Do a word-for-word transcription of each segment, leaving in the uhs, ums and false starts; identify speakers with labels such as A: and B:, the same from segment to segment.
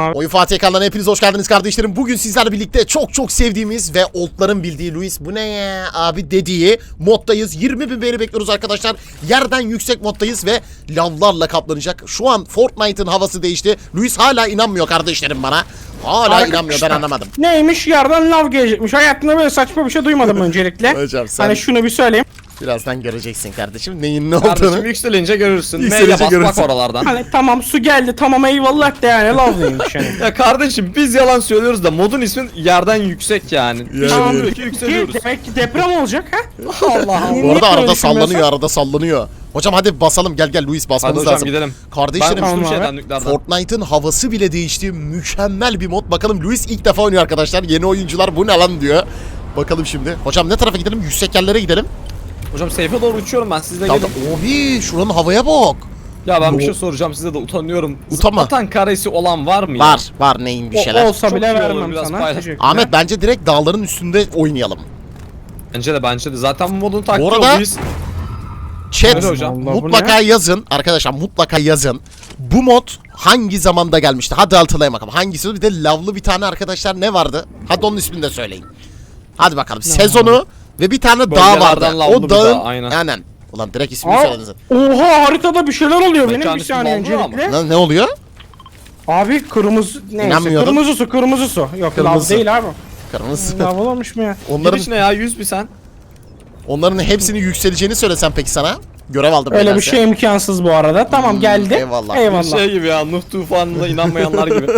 A: abi.
B: Oyun Fatih ekranlarına hepiniz hoş geldiniz kardeşlerim. Bugün sizlerle birlikte çok çok sevdiğimiz ve oldların bildiği Luis bu ne ya abi dediği moddayız. yirmi bin beğeni bekliyoruz arkadaşlar. Yerden yüksek moddayız ve lavlarla kaplanacak. Şu an Fortnite'ın havası değişti. Luis hala inanmıyor kardeşlerim bana. Hala
A: Arkadaşlar,
B: inanmıyor, ben anlamadım.
A: Neymiş, yerden lav gelecekmiş. Hayatımda böyle saçma bir şey duymadım öncelikle.
B: Hocam sen
A: Hani şunu bir söyleyeyim.
B: birazdan göreceksin kardeşim neyin ne
C: Kardeşim
B: olduğunu.
C: yükselince görürsün.
B: Yükselince
C: Neyle bas
B: görürsün.
C: bak oralardan.
A: Hani tamam su geldi, tamam eyvallah de yani lav neymiş yani.
C: Ya kardeşim biz yalan söylüyoruz da modun ismi yerden yüksek yani.
B: Yani.
A: Tamam,
C: Diyor ki yükseliyoruz.
A: demek ki deprem olacak ha. Allah Allah.
B: Bu arada arada sallanıyor, arada sallanıyor. Hocam hadi basalım, gel gel Luis,
C: Hadi
B: basmamız
C: hocam
B: lazım.
C: gidelim.
B: Kardeşlerim
C: Ben
A: Tamam
C: uçtum
A: abi.
C: şeyden nükleerden.
B: Fortnite'ın havası bile değişti. Mükemmel bir mod. Bakalım Luis ilk defa oynuyor arkadaşlar. Yeni oyuncular bu ne lan diyor. Bakalım şimdi. Hocam ne tarafa gidelim? Yüksek yerlere gidelim.
C: Hocam safe'e doğru uçuyorum ben sizle
B: Tamam.
C: gelin.
B: Obi şuranın havaya bak.
C: Ya ben bir
B: Yo.
C: şey soracağım size de utanıyorum.
B: Utanma.
C: Zıplatan karesi olan var mı ya?
B: Var. Var neyin bir
A: O-
B: şeyler.
A: olsa
C: Çok
A: bile
C: iyi olur,
A: vermem
C: biraz
A: sana.
C: paylaş.
A: Teşekkürler.
B: Ahmet bence direkt dağların üstünde oynayalım.
C: Bence de bence de. Zaten bu modun taktiği
B: arada-
C: o, biz.
B: Chat
C: Öyle hocam.
A: Allah, bu
B: mutlaka
A: ne?
B: yazın. Arkadaşlar mutlaka yazın. Bu mod hangi zamanda gelmişti? Hadi hatırlayın bakalım. Hangisi? Bir de lavlı bir tane arkadaşlar ne vardı? Hadi onun ismini de söyleyin. Hadi bakalım. Sezonu ve bir tane dağ
C: Bölgelerden
B: vardı.
C: lavlı
B: O
C: bir
B: dağın
C: dağ, aynen.
B: aynen. Ulan direkt ismini
A: Aa,
B: söylediniz.
A: oha haritada bir şeyler oluyor benim
C: Mekanın
A: bir
C: ismi
A: saniye
C: lavlı ama.
A: öncelikle.
B: Ne, ne oluyor?
A: Abi kırmızı neyse
B: İnanmıyordum.
A: kırmızı su kırmızı su. Yok lav
B: Kırmızı.
A: değil abi.
B: Kırmızı.
A: Lav olmuş mu ya?
B: Onların
C: Giriş ne ya yüz bir sen.
B: onların hepsinin yükseleceğini söylesem peki sana. Görev aldım.
A: Öyle bir
B: nedense.
A: şey imkansız bu arada. Tamam
B: Hmm,
A: geldi.
B: eyvallah.
A: Eyvallah.
C: Şey gibi ya Nuh tufanına inanmayanlar gibi.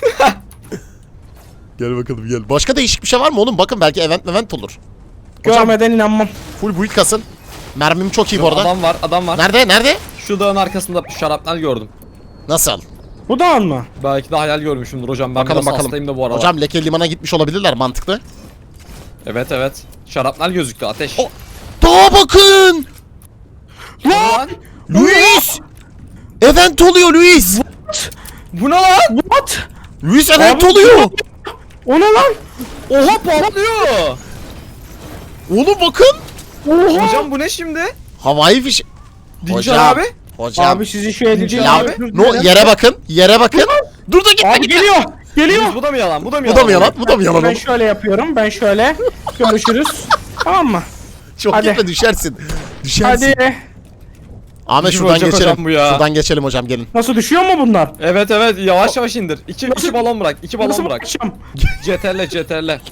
B: Gel bakalım gel. Başka değişik bir şey var mı oğlum? Bakın belki event event olur. Hocam
A: Görmeden inanmam.
B: full build kasın. Mermim çok iyi bu arada.
C: Adam var adam var.
B: Nerede? Nerede?
C: Şu dağın arkasında şarapnel gördüm.
B: Nasıl?
A: Bu da mı?
C: Belki de hayal görmüşümdür hocam. Ben
B: Bakalım
C: biraz
B: bakalım.
C: hastayım da bu aralar.
B: Hocam Leke Liman'a gitmiş olabilirler, mantıklı.
C: Evet evet. Şarapnel gözüktü ateş.
B: O- Dağa bakın!
C: Lan!
B: Luis! Event oluyor Luis!
C: Bu ne lan?
A: What?
B: Luis event
A: Abi-
B: oluyor!
A: O ne lan?
C: Oha patlıyor.
B: Oğlum bakın!
A: Oha.
C: Hocam bu ne şimdi?
B: Havai fiş...
C: Dincan abi.
B: Hocam.
A: Abi sizi şu edeceğim.
B: Ya,
C: abi.
B: no, yere bakın, yere bakın. Dur da gitme
A: Abi
B: gitme.
A: geliyor. Geliyor.
C: Bu da mı yalan? Bu da mı
B: Bu
C: yalan?
B: da mı yalan? Bu da mı yalan?
A: Ben
B: oğlum?
A: şöyle yapıyorum. Ben şöyle. Görüşürüz. Tamam mı?
B: Çok
A: Hadi.
B: gitme, düşersin. Düşersin.
A: Hadi.
B: Ahmet
C: Kim
B: şuradan
C: olacak
B: geçelim.
C: hocam bu ya?
B: Şuradan geçelim hocam, gelin.
A: Nasıl düşüyor mu bunlar?
C: Evet evet yavaş yavaş indir. İki,
A: Nasıl-
C: iki balon bırak. iki balon
A: Nasıl
C: bırak.
A: bakacağım?
C: Ceterle ceterle.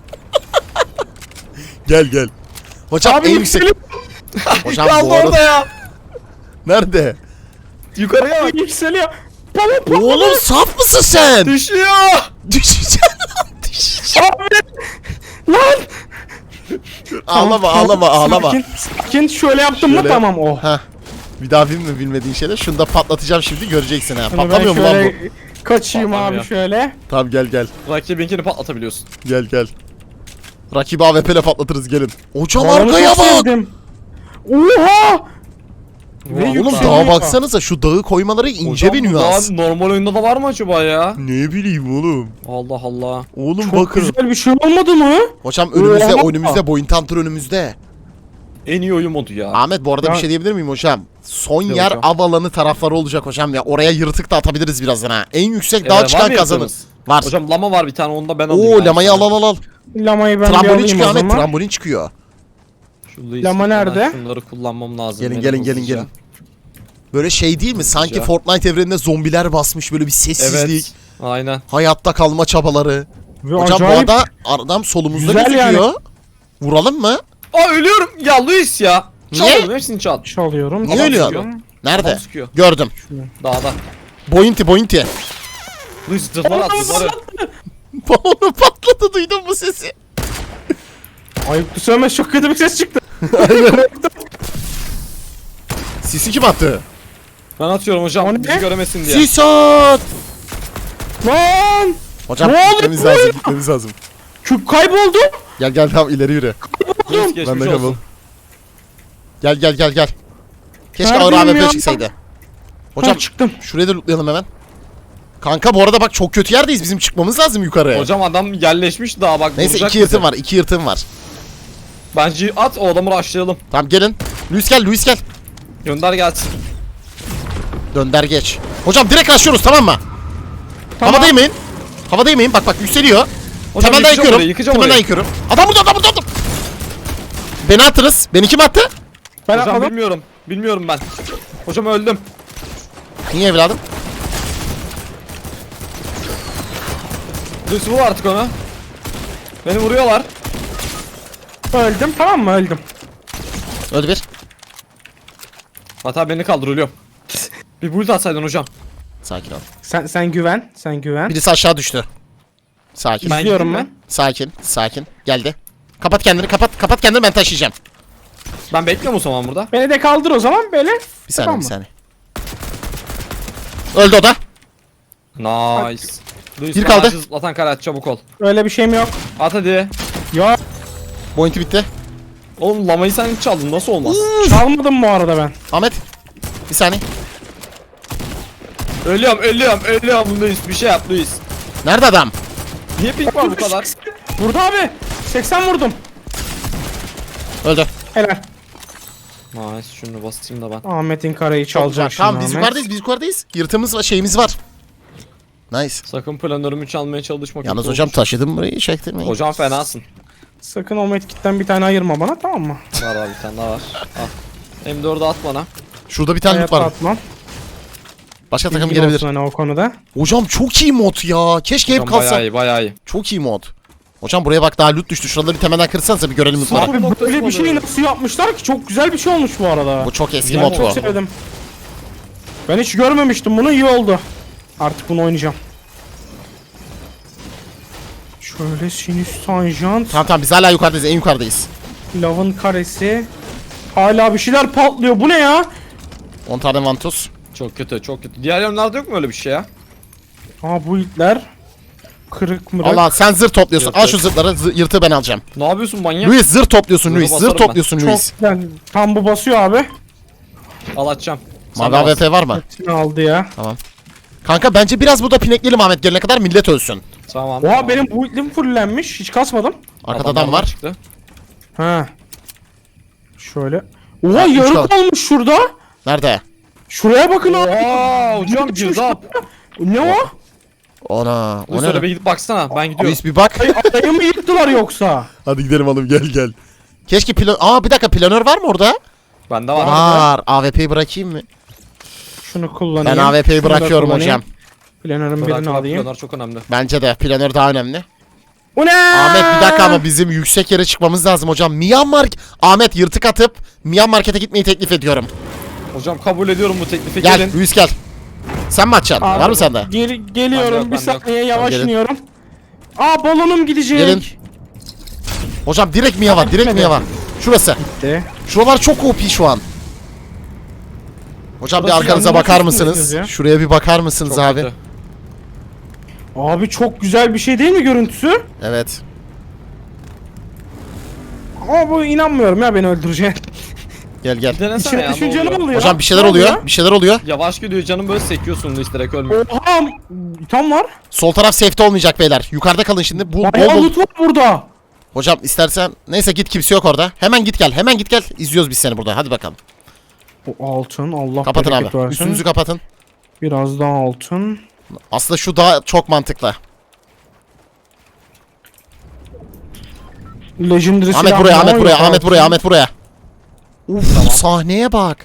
B: Gel gel. Hocam
A: Abi
B: en yüksek.
A: yükselip
B: Hocam
C: Kaldı
B: bu arada.
C: orada ya.
B: Nerede?
C: Yukarıya bak.
A: yükseliyor. Balon patladı.
B: Oğlum saf mısın sen?
C: Düşüyor.
B: Düşeceksin lan, düşeceksin.
A: Abi. Lan.
B: Ağlama
A: Tamam,
B: ağlama ağlama.
A: Sakin, sakin. Şöyle yaptım
B: Şöyle.
A: mı tamam oh.
B: Heh. Bir daha bilme bilmediğin şeyler. Şunu da patlatacağım şimdi, göreceksin ha.
A: Şimdi ben
B: Patlamıyor mu lan
A: şöyle
B: bu?
A: Kaçayım
C: Patlamıyor.
A: abi şöyle.
B: Tamam gel gel.
C: Rakibinkini patlatabiliyorsun.
B: Gel gel. Rakibi A W P ile patlatırız, gelin. Hocam
A: Balonu
B: arkaya
A: çok
B: bak.
A: sevdim. Oha. Ve
C: Oğlum,
B: Oğlum
A: yükseliyor.
B: dağa baksanıza, şu dağı koymaları ince
C: Hocam,
B: bir
C: bu
B: nüans.
C: daha normal oyunda da var mı acaba ya?
B: Ne bileyim oğlum.
C: Allah Allah.
B: Oğlum
A: Çok
B: bakın.
A: güzel bir şey olmadı mı?
B: Hocam önümüzde
A: Oha.
B: önümüzde Boyun Hunter önümüzde.
C: En iyi oyun modu ya.
B: Ahmet bu arada
A: Ya-
B: bir şey diyebilir miyim hocam? Son
C: Ne
B: yer
C: hocam?
B: av alanı tarafları olacak hocam ya. Oraya yırtık da atabiliriz birazdan ha. En yüksek
C: Ee,
B: dağa
C: var
B: çıkan
C: mı
B: kazanır.
C: yaptığınız?
B: Var.
C: Hocam lama var bir tane onu da ben alayım.
B: Oo
C: ben
B: lamayı al
C: sana.
B: al al al.
A: Lamayı ben bir
B: Trambolin
A: alayım
B: çıkıyor
A: o
B: Ahmet,
A: zaman.
B: trambolin çıkıyor.
C: Şu Luis
A: Lama
C: Vuitton'dan
A: nerede?
C: Şunları kullanmam lazım.
B: Gelin
C: benim
B: gelin gelin
C: hızlıca.
B: gelin. Böyle şey değil mi? Sanki
C: Hızlıca.
B: Fortnite evreninde zombiler basmış, böyle bir sessizlik.
C: Evet. Aynen.
B: Hayatta kalma çabaları.
A: Ve
B: Hocam
A: acayip
B: bu arada adam solumuzda
A: güzel
B: gözüküyor.
A: yani.
B: Vuralım mı?
C: Aa ölüyorum. Ya Luis ya.
B: Niye?
C: Çaldım hepsini çal.
A: çalıyorum.
B: Niye
C: Adam
B: ölüyorsun?
C: sıkıyor.
B: Nerede?
C: Adam sıkıyor.
B: Gördüm.
C: Dağda.
B: Bointi bointi.
C: Luis zırhlar attı zırhları.
B: Balonu patladı, duydun mu sesi?
A: Ayıp söylemez, çok kötü bir ses çıktı.
B: Sisi kim attı?
C: Ben atıyorum
A: O
C: hocam
A: ne?
C: bizi göremesin diye.
B: Sis at!
A: Lan!
B: Hocam
A: Ne oldu?
B: gitmemiz lazım, gitmemiz lazım.
A: Küp kayboldu.
B: Gel gel tamam, ileri yürü.
C: Luis
B: Ben
C: geçmiş
B: de kabul.
C: olsun.
B: Gel gel gel gel. Keşke
A: Neredeyim
B: ağır A W P
A: ya?
B: çıksaydı.
A: Hocam
B: Hocam
A: çıktım.
B: şuraya da lootlayalım hemen. Kanka bu arada bak, çok kötü yerdeyiz. Bizim çıkmamız lazım yukarı.
C: Hocam adam yerleşmiş daha bak.
B: Neyse
C: vuracak
B: iki yırtım
C: bizi.
B: var, iki yırtım var.
C: Bence at o adamı rushlayalım.
B: Tamam gelin. Luis gel, Luis gel.
C: Gönder gelsin.
B: Dönder geç. Hocam direkt açıyoruz, tamam mı?
A: Tamam.
B: Havada yemeyin. Havada yemeyin. Bak bak yükseliyor.
C: Hocam
B: Temelden
C: yıkacağım
B: yıkıyorum.
C: orayı, yıkacağım
B: Temelden
C: orayı.
B: yıkıyorum. Adam burada adam burada adam. Beni attınız. Beni kim attı?
A: Ben
C: Hocam
A: atladım.
C: bilmiyorum. Bilmiyorum ben. Hocam öldüm.
B: Niye evladım?
C: Luis vur artık onu. Beni vuruyorlar.
A: Öldüm, tamam mı? Öldüm.
B: Öldü bir.
C: Hatta beni kaldır ölüyorum. Bir build atsaydın hocam.
B: Sakin ol.
A: Sen sen güven, sen güven.
B: Birisi aşağı düştü. Sakin.
C: Ben
A: İzliyorum
C: gideyim
A: ben.
B: Sakin. Sakin. Geldi. Kapat kendini kapat. Kapat kendini ben taşıyacağım.
C: Ben bekliyorum o zaman burada.
A: Beni de kaldır o zaman böyle.
B: Bir saniye
A: Tamam
B: bir
A: mı?
B: saniye. Öldü o da.
C: Nice. Luis
B: Bir
C: bana
B: kaldı.
C: acı zıplatan kare at, çabuk ol.
A: Öyle bir şeyim yok.
C: At hadi.
A: Ya
B: Pointi bitti.
C: Oğlum lamayı sen çaldın, nasıl olmaz?
A: çalmadım bu arada ben.
B: Ahmet. Bir saniye.
C: Ölüyorum ölüyorum ölüyorum Luis, bir şey yap Luis.
B: Nerede adam?
C: Niye pink var bu kadar?
A: Burada abi. seksen vurdum.
B: Öldü.
A: Helal.
C: Nice, şunu basayım da ben.
A: Ahmet'in kareyi çalacak şimdi.
B: Tamam biz
A: Ahmet.
B: yukarıdayız biz yukarıdayız. Yırtığımız var şeyimiz var. Nice.
C: Sakın planörümü çalmaya çalışma.
B: Yalnız
C: kötü
B: hocam
C: olur.
B: taşıdım burayı çektirmeyin.
C: Hocam fenasın.
A: Sakın o medkitten bir tane ayırma bana, tamam mı?
C: Var abi, bir tane daha var. Al. M dördü at bana.
B: Şurada bir tane loot
A: Hayatta
B: var.
A: atmam.
B: Başka takım
A: Bilgin
B: gelebilir.
A: olsun hani o konuda.
B: Hocam çok iyi mod ya. Keşke hep
C: Hocam
B: kalsa.
C: bayağı iyi bayağı iyi.
B: Çok iyi mod. Hocam buraya bak daha loot düştü. Şuraları bir temelden kırsanıza bir görelim lootları.
C: Abi,
A: Abi
C: noktası
A: böyle bir
C: mı
A: şeyi
C: böyle?
A: nasıl yapmışlar ki? Çok güzel bir şey olmuş bu arada.
B: Bu çok eski
C: Ya,
B: mod
A: Çok
B: bu.
A: sevdim. Ben hiç görmemiştim bunu, iyi oldu. Artık bunu oynayacağım. Şöyle sinüs tanjant,
B: Tamam tamam biz hala yukarıdayız en yukarıdayız.
A: lavın karesi. Hala bir şeyler patlıyor. Bu ne ya?
B: on tane vantus.
C: Çok kötü çok kötü. Diğer yönlerde yok mu öyle bir şey ya?
A: Aa bu itler. Kırık mırık.
B: Allah sen zırh topluyorsun.
C: Yok,
B: Al
C: yok.
B: şu zırhları. zı- yırtığı ben alacağım.
C: Ne yapıyorsun manyak?
B: Luis zırh topluyorsun
C: Zırhı
B: Luis. Zırh
C: basarım ben.
B: topluyorsun
A: Çok
B: Luis.
A: güzel. Tam bu basıyor abi.
C: Al atacağım. Sen
B: Mavi
C: de
B: A W
C: bas.
B: P var mı?
A: Hepsini aldı ya.
B: Kanka bence biraz burada pinekleyelim Ahmet gelene kadar millet ölsün.
C: Tamam.
A: Oha
C: tamam.
A: benim bu itlim fullenmiş. Hiç kasmadım.
B: Arkada
C: Adamlar
B: adam var.
C: Çıktı.
A: Ha. Şöyle. Oha
B: Ha, üç
A: yarık
B: kaldı.
A: olmuş şurada.
B: Nerede?
A: Şuraya bakın abi.
C: Oha hocam girdap.
A: Ne o?
B: Ona. O
C: Luis
B: ne?
C: öyle bir gidip baksana, ben gidiyorum.
B: Luis bir bak.
A: Ay, adayı mı yıktılar yoksa?
B: Hadi gidelim oğlum gel gel. Keşke plan... Aa bir dakika planör var mı orada?
C: Bende var.
B: Var. A W P'yi bırakayım mı?
A: Şunu kullanayım.
B: Ben A W P'yi
A: Şunu da
B: bırakıyorum
A: kullanayım.
B: hocam.
A: Planörün
C: Bırak,
A: birini
C: bırak,
A: alayım.
C: planör çok önemli.
B: Bence de planör daha önemli.
A: O ne?
B: Ahmet bir dakika ama bizim yüksek yere çıkmamız lazım hocam. Myanmar... Ahmet yırtık atıp Myanmar Market'e gitmeyi teklif ediyorum.
C: Hocam kabul ediyorum bu teklifi,
B: Gel
C: gelin.
B: Luis gel. Sen mi atacaksın?
A: Abi,
B: Var mı sende?
A: Geri,
C: Bende
A: geliyorum
C: yok,
A: bir
C: bende yok.
A: saniye yavaş
B: gelin.
A: iniyorum. Aa balonum gidecek.
B: Gelin. Hocam direkt Mia var. Direkt
A: gitmedi.
B: Mia var. Şurası.
A: De.
B: Şuralar çok O P şu an. Hocam bir
C: Burası
B: arkanıza
A: yanına
B: bakar
A: tutmuyorsunuz
B: mısınız?
A: ya.
B: Şuraya bir bakar mısınız
C: Çok
B: abi?
C: kötü.
A: Abi çok güzel bir şey değil mi görüntüsü?
B: Evet.
A: Ama bu inanmıyorum ya beni öldürecek.
B: Gel gel.
C: Bir denesene
A: İçine
C: ya, ne
A: düşünce ne
C: oluyor?
A: oluyor?
B: Hocam bir şeyler
A: Ne
B: oluyor. Bir şeyler oluyor.
C: Yavaş gidiyor canım, böyle sekiyorsun Luis, direkt ölmüyor.
A: Oha! Tam var.
B: Sol taraf safety olmayacak beyler. Yukarıda kalın şimdi. Bu bol
A: Bayağı
B: bol.
A: loot var burada.
B: Hocam istersen neyse git kimse yok orada. Hemen git gel. Hemen git gel. İzliyoruz biz seni burada. Hadi bakalım.
A: O altın Allah
B: Kapatın
A: bereket
B: abi.
A: versin.
B: Üstünüzü kapatın.
A: Biraz daha altın.
B: Aslında şu daha çok mantıklı.
A: Legendary
B: Ahmet
A: silah
B: buraya,
A: var
B: Ahmet
A: mı?
B: buraya,
A: Yok
B: Ahmet
A: altın.
B: buraya, Ahmet buraya. Uf, sahneye bak.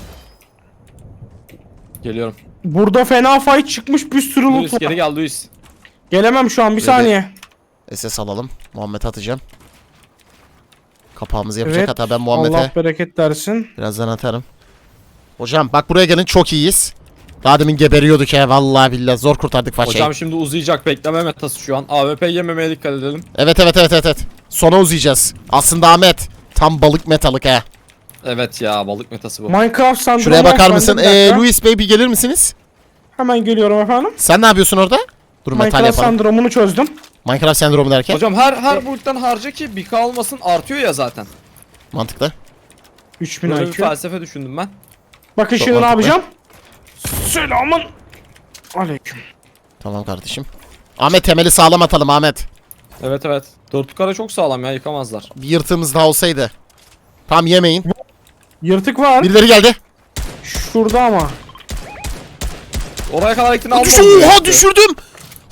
C: Geliyorum.
A: Burada fena fight çıkmış, bir sürü loot
C: Luis
A: var.
C: geri gel Luis.
A: Gelemem şu an, bir saniye.
B: S S alalım. Muhammed atacağım. Kapağımızı yapacak
A: Evet.
B: hatta ben Muhammed'e
A: Allah bereket versin.
B: birazdan atarım. Hocam bak buraya gelin çok iyiyiz. Daha demin geberiyorduk ya vallahi billahi zor kurtardık façayı.
C: Hocam şimdi uzayacak, bekleme metası şu an. A W P yememeye dikkat edelim.
B: Evet evet evet evet evet. Sona uzayacağız. Aslında Ahmet tam balık metalık ha.
C: Evet ya, balık metası bu.
A: Minecraft sandromu.
B: Şuraya bakar
A: efendim,
B: mısın?
A: bir
B: Ee,
A: dakika.
B: Luis Bey bir gelir misiniz?
A: Hemen geliyorum efendim.
B: Sen ne yapıyorsun orada? Dur metal
A: Minecraft
B: yapalım.
A: sendromunu çözdüm.
B: Minecraft sendromu derken
C: Hocam her her buluttan harca ki bir K olmasın, artıyor ya zaten.
B: mantıklı.
A: üç bin
C: Böyle bir
A: I Q.
C: felsefe düşündüm ben.
A: Bakın
B: Çok
A: şimdi ne
B: mantıklı.
A: yapacağım? Selamın aleyküm.
B: Tamam kardeşim. Ahmet temeli sağlam atalım Ahmet.
C: Evet evet. Dört kare çok sağlam ya, yıkamazlar.
B: Bir yırtığımız daha olsaydı. Tam yemeyin.
A: Yırtık var.
B: Birileri geldi.
A: Şurada ama.
C: Oraya kadar gittin, almadın.
B: Düş Oha düşürdüm.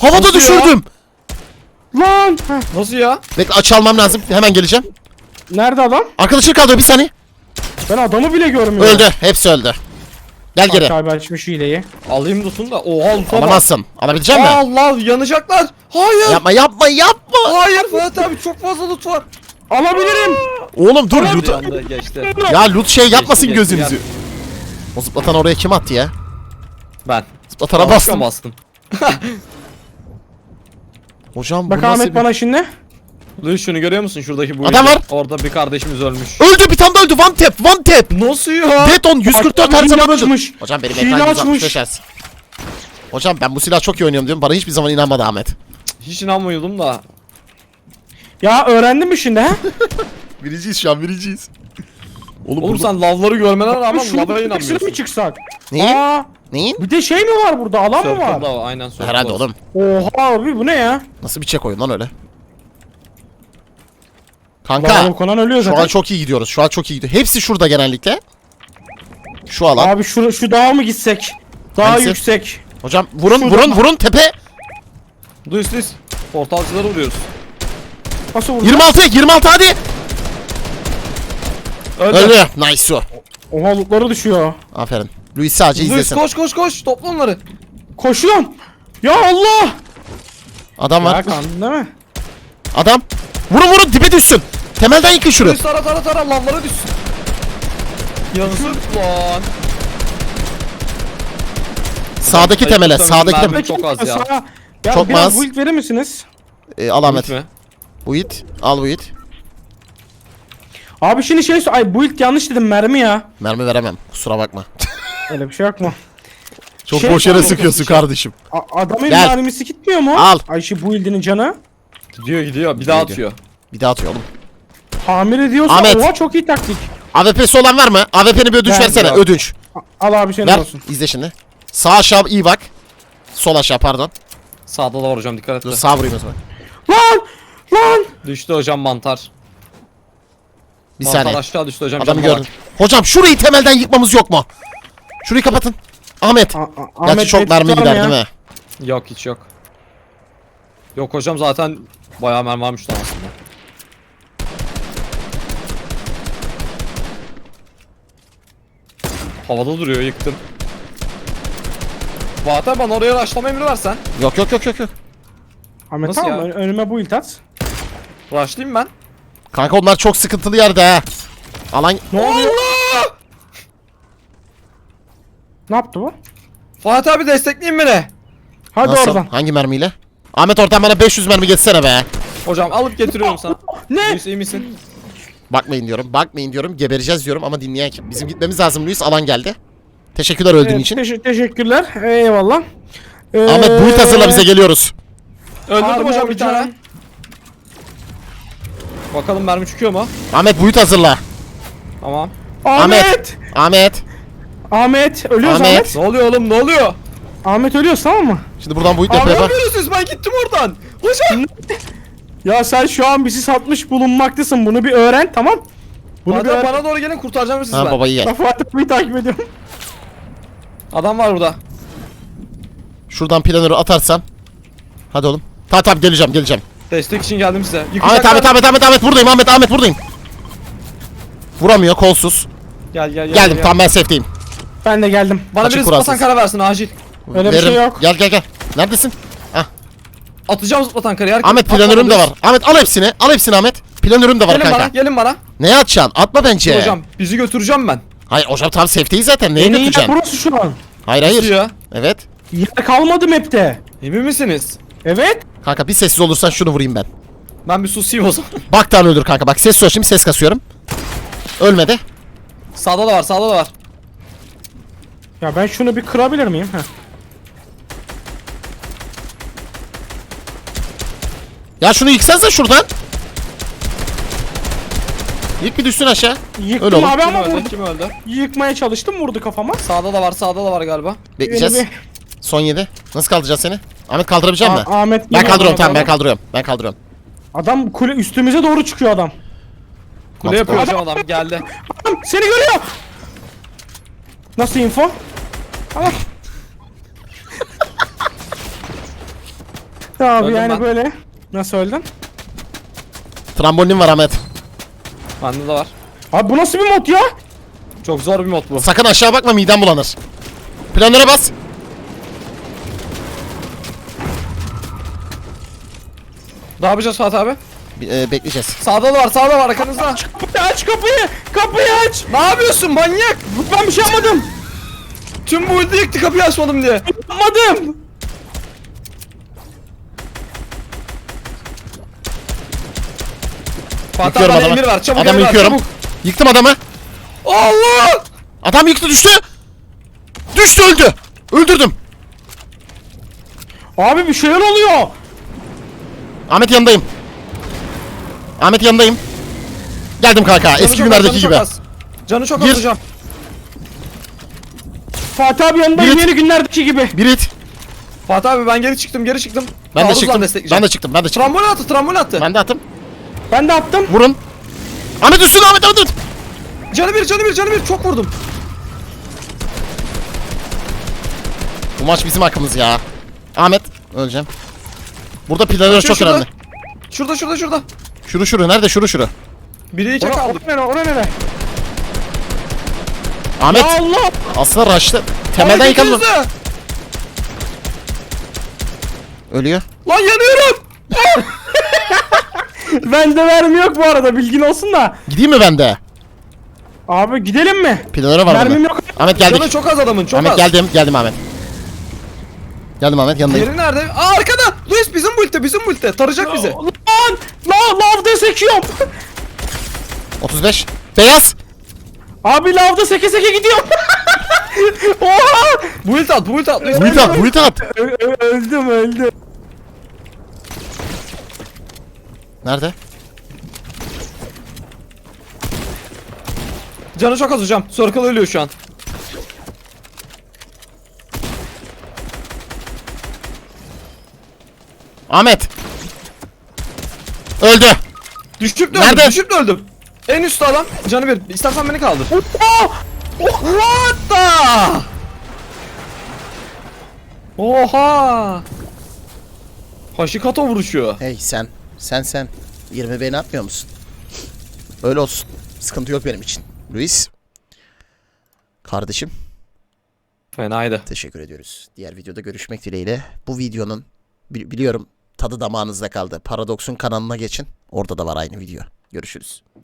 B: Havada
C: Nasıl ya?
B: düşürdüm.
A: Lan. Heh.
C: Nasıl ya?
B: Bekle açı almam lazım. Hemen geleceğim.
A: Nerede adam?
B: Arkadaşını kaldırıyor bir saniye.
A: Ben adamı bile görmüyorum.
B: Öldü. Hepsi öldü. Gel geri.
A: Bak abi açmış hileyi.
C: Alayım tutun da. Oha loot'a bak.
B: Alamazsın. Alabilecek misin?
C: Allah yanacaklar. Hayır.
B: Yapma yapma yapma.
C: Hayır Fuat abi çok fazla loot var.
A: Alabilirim.
B: Oğlum dur
C: Yandı,
B: loot.
C: yandı, geçti.
B: Ya loot şey yapmasın
C: Geçti, geçti,
B: gözünüzü. O zıplatan oraya kim attı ya?
C: Ben.
B: Zıplatana
C: Yanlışlıkla
B: bastım.
C: bastım.
B: Hocam bu
A: Bak
B: nasıl
A: Ahmet
B: bir...
A: bana şimdi.
C: Luis şunu görüyor musun şuradaki bu
B: Adam
C: işi?
B: var.
C: Orada bir kardeşimiz ölmüş.
B: Öldü bir tane de öldü. One tap one tap.
C: Nasıl ya?
B: Deton yüz kırk dört her
A: Hile
B: zaman öldü.
A: açmış.
B: Hocam benim
A: Hile
B: ekran yüz altmış
A: açmış.
B: beş hertz. Hocam ben bu silah çok iyi oynuyorum diyorum. Bana hiçbir zaman inanmadı Ahmet.
C: Hiç inanmıyordum da.
A: Ya öğrendin mi şimdi ha?
B: Biriciyiz şu an biriciyiz. Oğlum,
C: Oğlum
B: burada...
C: sen lavları görmene rağmen
A: Şunu
C: lava
A: bir
C: inanmıyorsun.
A: mi çıksak?
B: Neyin?
A: Aa,
B: Neyin?
A: bir de şey mi var burada? Alan mı var?
C: Circle'da var, aynen circle.
B: Herhalde oğlum.
A: Oha abi bu ne ya?
B: Nasıl bir çek oyun lan öyle?
A: Lava
B: Kanka
A: konan ölüyor
B: şu
A: zaten.
B: an çok iyi gidiyoruz. Şu an çok iyi gidiyor. Hepsi şurada genellikle. Şu alan.
A: Abi şu, şu dağa mı gitsek? Daha
B: Hangisi?
A: yüksek.
B: Hocam vurun
A: Şurada.
B: vurun vurun tepe.
C: Luis Luis. Portalcılara vuruyoruz.
A: Nasıl vurdu?
B: yirmi altı yirmi altı hadi.
C: Öldü.
B: Öldü. Nice o.
A: Oha lootları düşüyor.
B: Aferin. Luis sadece
C: Luis
B: izlesin.
C: koş koş koş topla onları.
A: Koşuyorum. Ya Allah.
B: Adam
A: Ya
B: var.
A: kandın değil mi?
B: Adam. Vurun vurun dibe düşsün. Temelden yıkın şunu.
C: Luis tara tara tara lavlara düşsün. Yazık lan.
B: Sağdaki
C: Ayıp
B: temele.
C: tabii,
B: Sağdaki
C: mermi
B: temele.
C: çok az ya.
A: Sağ- Ya
B: Çok
A: biraz
B: az.
A: build verir misiniz?
B: Ee, al Ahmet.
C: Gitme.
B: Bu it. Al bu it.
A: Abi şimdi şey ay build yanlış dedim mermi ya.
B: Mermi veremem. Kusura bakma.
A: Öyle bir şey yok mu?
B: Çok
A: Şey-
B: boş yere sıkıyorsun kardeşim.
A: A- adamın
B: Gel.
A: mermisi gitmiyor mu?
B: Al.
A: Ay şu build'inin canı.
C: Gidiyor gidiyor bir daha
B: Gidiyor.
C: atıyor.
B: Bir daha atıyor oğlum.
A: Tamir ediyorsa
B: Ahmet.
A: oha çok iyi taktik.
B: A W P'si olan var mı? A W P'ni bir ödünç
A: Ver
B: versene.
C: ya.
B: Ödünç.
A: A- Al abi senin
B: Ver.
A: olsun.
B: İzle şimdi. Sağ aşağı iyi bak. Sol aşağı pardon.
C: Sağda da var hocam dikkat et.
B: Dur
C: de.
B: sağ vurayım o zaman.
A: Lan! Lan!
C: Düştü hocam mantar.
B: Bir
C: mantar
B: saniye.
C: aşağı düştü hocam.
B: Adamı
C: canına
B: gördüm. Hocam şurayı temelden yıkmamız yok mu? Şurayı kapatın. Ahmet.
A: A- A-
B: Gerçi
A: Ahmet
B: çok
A: Bey
B: mermi
A: tutar mı
B: gider
A: ya?
B: değil mi?
C: bak. Yok hiç yok. Yok hocam zaten bayağı mermi varmış lan aslında. Havada duruyor yıktım. Vahter bana oraya rushlama emri versen.
B: Yok yok yok yok yok.
A: Ahmet
C: Nasıl
A: tamam
C: ya?
A: ön- önüme build at.
C: Rushlayayım ben.
B: Kanka onlar çok sıkıntılı yerde ha. Alan
A: Ne oluyor?
C: Allah!
A: Ne yaptı bu?
C: Fatih abi destekleyin beni.
A: Hadi
B: nasıl?
A: oradan.
B: Hangi mermiyle? Ahmet oradan bana beş yüz mermi geçsene be.
C: Hocam alıp getiriyorum sana.
A: Ne?
C: Luis iyi misin?
B: Bakmayın diyorum. Bakmayın diyorum. Gebereceğiz diyorum ama dinleyen kim? Bizim gitmemiz lazım Luis. Alan geldi. Teşekkürler öldüğün
A: Evet,
B: için.
A: teşe- teşekkürler. Eyvallah. Ee,
B: Ahmet bulut hazırla bize geliyoruz.
C: Öldürdüm
A: Harbi
C: hocam bir
A: hocam.
C: tane. Bakalım mermi çıkıyor mu?
B: Ahmet bulut hazırla.
C: Tamam.
A: Ahmet!
B: Ahmet.
A: Ahmet! Ölüyoruz
B: Ahmet.
A: Ahmet.
C: Ne oluyor oğlum ne oluyor?
A: Ahmet ölüyoruz tamam mı?
B: Şimdi buradan bulut
C: Abi
B: yapı yapar.
C: yapıyorsunuz ben gittim oradan. Hocam.
A: Ya sen şu an bizi satmış bulunmaktasın. Bunu bir öğren tamam. Bunu bir
C: Fatih
A: öğren.
C: bana doğru gelin kurtaracağım sizi
B: Ha
C: ben.
B: babayı
A: Ben
B: ye.
A: Fatih Bey'i takip ediyorum.
C: Adam var burada.
B: Şuradan planörü atarsam. Hadi oğlum. Tamam tamam geleceğim geleceğim.
C: Destek için geldim size.
B: Ahmet
C: Yıkacaklar.
B: Ahmet Ahmet Ahmet Ahmet buradayım Ahmet Ahmet buradayım. Vuramıyor kolsuz.
C: Gel gel gel.
B: Geldim
C: gel.
B: tamam ben safe'deyim.
A: Ben de geldim.
C: Bana
B: Açık
C: birisi
B: kuralsız.
C: zıplatan kara versin acil.
A: Öyle bir şey yok.
B: Gel gel gel. Neredesin?
C: Atacağım zıplatan karayı. Herkes-
B: Ahmet planörüm de var. Ahmet al hepsini. Al hepsini Ahmet. Planörüm de var
C: Gelin
B: kanka.
C: bana gelin bana.
B: Neye atacaksın? Atma bence.
C: Hocam bizi götüreceğim ben.
B: Hayır hocam tam safe'deyiz zaten. Neye
A: En iyi yer
B: götüreceksin?
A: burası şu an.
B: Hayır hayır.
C: Ya.
B: Evet.
A: Yer kalmadı map'te.
C: Emin misiniz?
A: Evet.
B: Kanka bir sessiz olursan şunu vurayım ben.
C: Ben bir susayım o zaman.
B: Bak tane öldür kanka. Bak ses şimdi ses kasıyorum. Ölmedi.
C: Sağda da var sağda da var.
A: Ya ben şunu bir kırabilir miyim? Heh.
B: Ya şunu yıksanıza şuradan. Yık bir düşsün aşağı. Öyle
A: Yıktım
B: oğlum.
A: abi
C: Kim
A: ama
C: öldü?
A: vurdu.
C: Kim öldü?
A: Yıkmaya çalıştım vurdu kafama.
C: Sağda da var sağda da var galiba.
B: Bekleyeceğiz.
A: Beni
B: Son yedi. Nasıl kaldıracağız seni? Ahmet kaldırabilecek
A: A-
B: misin?
A: Ahmet
B: Ben
A: geliyor
B: kaldırıyorum
A: bana
B: tamam ben
A: doğru.
B: kaldırıyorum. Ben kaldırıyorum.
A: Adam kule üstümüze doğru çıkıyor adam.
C: Kule yapıyor hocam adam geldi.
A: Adam seni görüyor. Nasıl info? Tamam. işte abi
C: Öldüm
A: yani
C: ben.
A: böyle. Nasıl öldün?
B: Trambolin var Ahmet.
C: Bende de var.
A: Abi bu nasıl bir mod ya?
C: Çok zor bir mod bu.
B: Sakın aşağı bakma, midem bulanır. Planlara bas.
C: Ne yapacağız Fatih abi?
B: Bir, e, bekleyeceğiz.
C: Sağda da var, sağda var arkanızda.
A: Kapıyı aç kapıyı. Kapıyı aç.
C: Ne yapıyorsun manyak?
A: Ben bir şey yapmadım.
C: Tüm bu ulti yıktı kapıyı açmadım diye.
A: Yapmadım.
C: Fatih
B: Yıkıyorum
C: abi
B: adamı.
C: emir ver, çabuk
B: Adamı
C: emir ver,
B: yıkıyorum.
C: çabuk.
B: Yıktım adamı.
C: Allah!
B: Adam yıktı, düştü. Düştü, öldü. Öldürdüm.
A: Abi bir şeyler oluyor.
B: Ahmet yanındayım. Ahmet yanındayım. Geldim kanka.
C: Canı
B: Eski
C: çok
B: günlerdeki
C: az, canı
B: gibi.
C: çok az. Canı çok
B: Gir.
C: az hocam.
A: Fatih abi yanındayım
B: Biri-
A: yeni günlerdeki gibi.
B: Bir hit.
C: Fatih abi ben geri çıktım, geri çıktım.
B: Ben de
C: Taarruzla
B: çıktım.
C: destekleyeceğim.
B: Ben de çıktım. Ben de çıktım.
C: Trambol attı, trambol attı.
B: Ben de attım.
A: Ben de attım.
B: Vurun. Ahmet üstüne, Ahmet Ahmet.
C: Canı bir, canı bir, canı bir. Çok vurdum.
B: Bu maç bizim hakkımız ya. Ahmet, öleceğim. Burada planlar çok
C: şurada.
B: önemli.
C: Şurada, şurada, şurada.
B: Şuru şuru, nerede şuru şuru?
C: Biri iki
A: Ora,
C: kaldık.
A: ora nere ora nere?
B: Ahmet,
A: Ya Allah.
B: aslında raşlı. Temelden
C: Ay,
B: yıkalım.
C: götünüzde.
B: Ölüyor.
C: Lan yanıyorum.
A: Bende mermi yok bu arada bilgin olsun da.
B: Gideyim mi ben de?
A: Abi gidelim mi?
B: Planlara var
A: Mermim
B: burada.
A: yok.
B: Ahmet geldik.
C: Canı çok az adamın, çok
B: Ahmet
C: az.
B: geldim, geldim Ahmet. Geldim Ahmet, yanındayım.
C: Diğeri nerede? Aa arkada. Luis bizim bulte, bizim bulte. Tarayacak bizi.
A: Lan! La lavda sekiyorum.
B: otuz beş. Beyaz.
A: Abi lavda seke seke gidiyorum. Oha!
C: Build at, build at. Luis.
B: Bulut at, bulut at.
A: Ö- ö- öldüm öldüm.
B: Nerede?
C: Canı çok az hocam. Circle ölüyor şu an.
B: Ahmet. Öldü.
C: Düşüp de
B: Nerede?
C: öldüm, düşüp de öldüm. En üstte adam. Canı bir. İstersen beni kaldır.
A: Oh!
C: What the? Oha! Hashikato vuruşuyor.
B: Hey sen, sen sen. yirmi beni atmıyor musun? Öyle olsun. Sıkıntı yok benim için. Luis. Kardeşim.
C: Fenaydı.
B: Teşekkür ediyoruz. Diğer videoda görüşmek dileğiyle. Bu videonun bi- biliyorum tadı damağınızda kaldı. Paradox'un kanalına geçin. Orada da var aynı video. Görüşürüz.